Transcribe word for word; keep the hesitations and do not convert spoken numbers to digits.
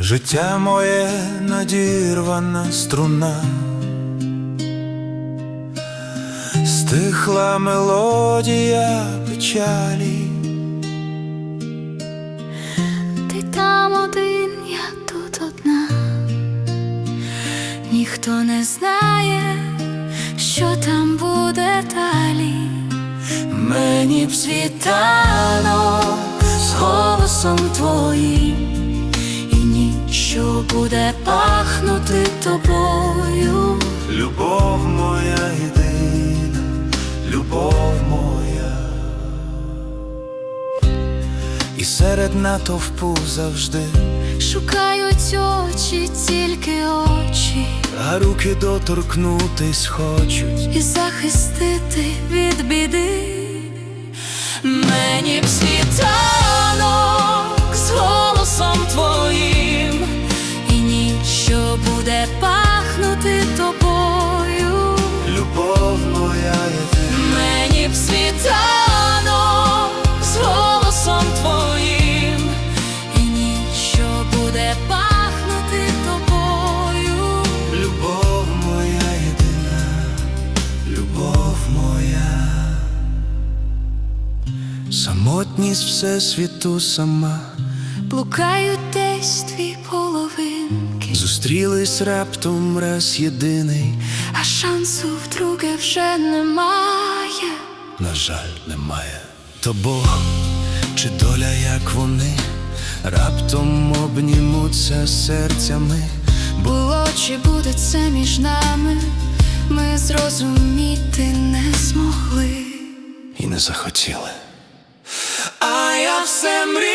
Життя моє надірвана струна, стихла мелодія печалі. Ти там один, я тут одна. Ніхто не знає, що там буде далі. Мені б світанок з голосом твоїм, і ніч, що буде пахнути тобою. Любов моя єдина, любов моя. І серед натовпу завжди шукають очі, тільки очі, а руки доторкнутись хочуть і захистити від біди. Мені б світанок з голосом твоїм, і ніч, що буде пахнути тобою. Любов моя єдина. Мені б світанок з голосом твоїм, і ніч, що буде пахнути тобою. Любов моя єдина, любов моя. Самотність всесвіту сама, блукають десь дві половинки, зустрілись раптом раз єдиний, а шансу вдруге вже немає. на жаль, немає. То Бог чи доля, як вони раптом обнімуться серцями. Було чи буде це між нами, ми зрозуміти не змогли І не захотіли. А я все мрію.